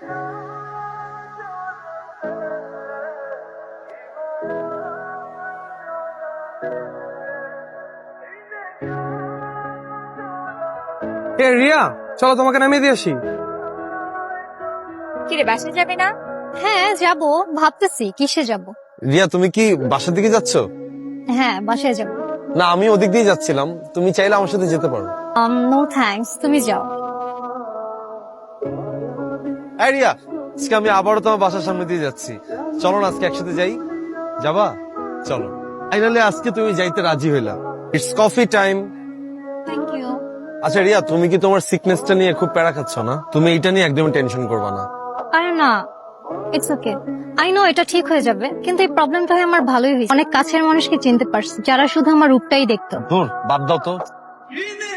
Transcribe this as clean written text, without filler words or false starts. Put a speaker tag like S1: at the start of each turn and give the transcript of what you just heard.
S1: এ রিয়া, চলো তোমাকে নামিয়ে দিয়ে আসি।
S2: কিরে বাসায় যাবে না? হ্যাঁ যাব, ভাবতেছি কিসে যাব।
S1: রিয়া, তুমি কি বাসার দিকে যাচ্ছ?
S2: হ্যাঁ বাসায় যাব।
S1: না, আমি ওদিক দিয়ে যাচ্ছিলাম, তুমি চাইলে আমার সাথে যেতে পারো।
S2: নো থ্যাঙ্কস, তুমি যাও।
S1: এই রিয়া, আজকে আমি আবারও তোমার বাসার সামনে দিয়ে যাচ্ছি, চলো না আজকে একসাথে যাই। যাবা? চলো। ফাইনালি আজকে তুমি যাইতে রাজি হইলা। It's coffee time.
S2: Thank you.
S1: আচ্ছা রিয়া, তুমি কি তোমার সিকনেসটা নিয়ে খুব প্যারা খাচ্ছ না? তুমি এটা নিয়ে একদম টেনশন করবা না।
S2: আরে না, ইটস ওকে। আই নো এটা ঠিক হয়ে যাবে, কিন্তু এই প্রবলেমটা হয় আমার ভালোই হয়েছে। অনেক কাছের মানুষকে চিনতে পারছি যারা শুধু আমার রূপটাই দেখতো।
S1: দূর, বাদ দাও তো।